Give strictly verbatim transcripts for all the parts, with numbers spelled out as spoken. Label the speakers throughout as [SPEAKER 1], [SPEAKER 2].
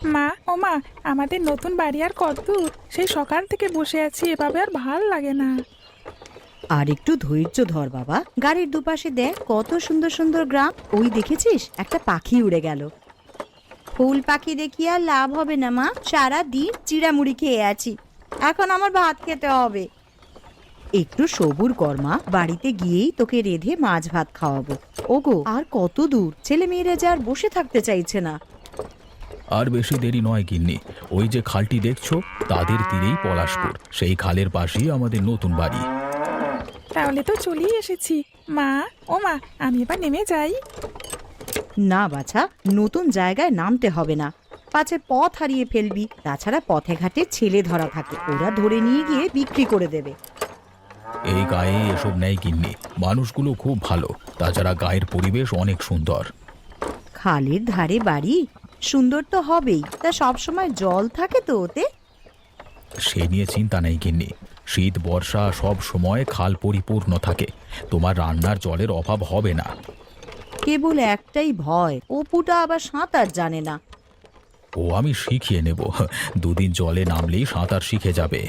[SPEAKER 1] মা, ও মা, আমাদের নতুন বাড়ি আর কত দূর? সেই সকাল থেকে বসে আছি, এভাবে আর ভাল লাগে না।
[SPEAKER 2] আর একটু ধৈর্য ধর বাবা, গাড়ির দুপাশে দেখ কত সুন্দর সুন্দর গ্রাম। ওই দেখেছিস একটা পাখি উড়ে গেল। ফুল পাখি দেখি আর লাভ হবে না মা, সারা দিন চিড়ামুড়ি খেয়ে আছি, এখন আমার ভাত খেতে হবে। একটু সবুর কর মা, বাড়িতে গিয়েই তোকে রেঁধে মাছ ভাত খাওয়াবো। ওগো, আর কত দূর? ছেলে মেয়েরা যে আর বসে থাকতে চাইছে না।
[SPEAKER 3] আর বেশি দেরি নয় গিন্নি, ওই যে খালটি দেখছো তাদের তীরেই পলাশপুর, সেই খালের পাশেই আমাদের নতুন বাড়ি।
[SPEAKER 1] তাহলে তো চলেই এসেছি। মা, ও মা, আমি এবার নেমে যাই।
[SPEAKER 2] না বাছা, নতুন জায়গায় নামতে হবে না, পাছে পথ হারিয়ে ফেলবি। তাছাড়া পথে ঘাটে ছেলে ধরা থাকে, ওরা ধরে নিয়ে গিয়ে বিক্রি করে দেবে।
[SPEAKER 3] এই গায়ে এসব নেই গিন্নি, মানুষগুলো খুব ভালো, তাছাড়া গায়ের পরিবেশ অনেক সুন্দর।
[SPEAKER 2] খালের ধারে বাড়ি, সুন্দর তো হবেই, তা সবসময় জল থাকে তো ওতে?
[SPEAKER 3] সে নিয়ে চিন্তা নেই গিন্নি, শীত বর্ষা সব সময় খাল পরিপূর্ণ থাকে, তোমার রান্নার জলের অভাব হবে না।
[SPEAKER 2] কেবল একটাই ভয়, অপুটা আবার সাঁতার জানে না।
[SPEAKER 3] ও আমি শিখিয়ে নেব, দুদিন জলে নামলেই সাঁতার শিখে যাবে।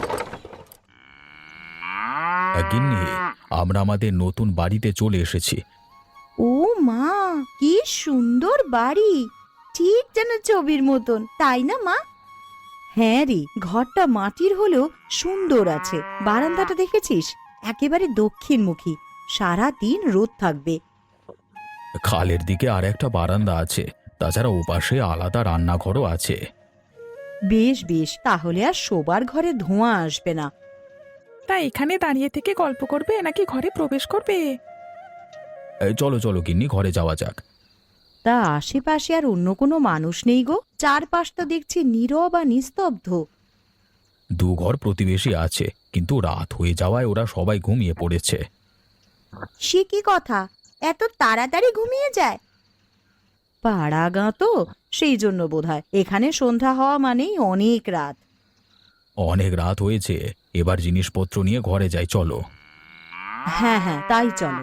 [SPEAKER 3] গিন্নি, আমরা আমাদের নতুন বাড়িতে চলে এসেছি।
[SPEAKER 2] ও মা, কি সুন্দর বাড়ি, ঠিক যেন ছবির মতন, তাই না মা? হ্যাঁ রে, ঘরটা মাটির হলেও সুন্দর আছে। বারান্দাটা দেখেছিস, একেবারে দক্ষিণমুখী, সারা দিন রোদ থাকবে।
[SPEAKER 3] খালের দিকে আর একটা বারান্দা আছে, তাছাড়া ওপাশে আলাদা রান্নাঘরও আছে।
[SPEAKER 2] বেশ বেশ, তাহলে আর শোবার ঘরে ধোঁয়া আসবে না।
[SPEAKER 1] তা এখানে দাঁড়িয়ে থেকে গল্প করবে নাকি ঘরে প্রবেশ করবে?
[SPEAKER 3] এই চলো চলো গিন্নি, ঘরে যাওয়া যাক।
[SPEAKER 2] তা আশেপাশে আর অন্য কোনো মানুষ নেই গো? চারপাশটা দেখছি নীরব আর নিস্তব্ধ।
[SPEAKER 3] দু ঘর প্রতিবেশী আছে, কিন্তু রাত হয়ে যাওয়ায় ওরা সবাই ঘুমিয়ে পড়েছে।
[SPEAKER 2] সে কি কথা, এত তাড়াতাড়ি ঘুমিয়ে যায়? পাড়া গাঁ তো, সেই জন্য বোধহয় এখানে সন্ধ্যা হওয়া মানেই অনেক রাত।
[SPEAKER 3] অনেক রাত হয়েছে, এবার জিনিসপত্র নিয়ে ঘরে যাই, চলো।
[SPEAKER 2] হ্যাঁ হ্যাঁ, তাই চলো।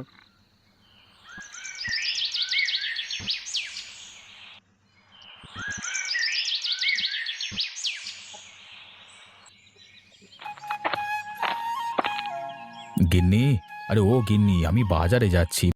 [SPEAKER 3] গিন্নি, আরে ও গিন্নি, আমি বাজারে যাচ্ছি,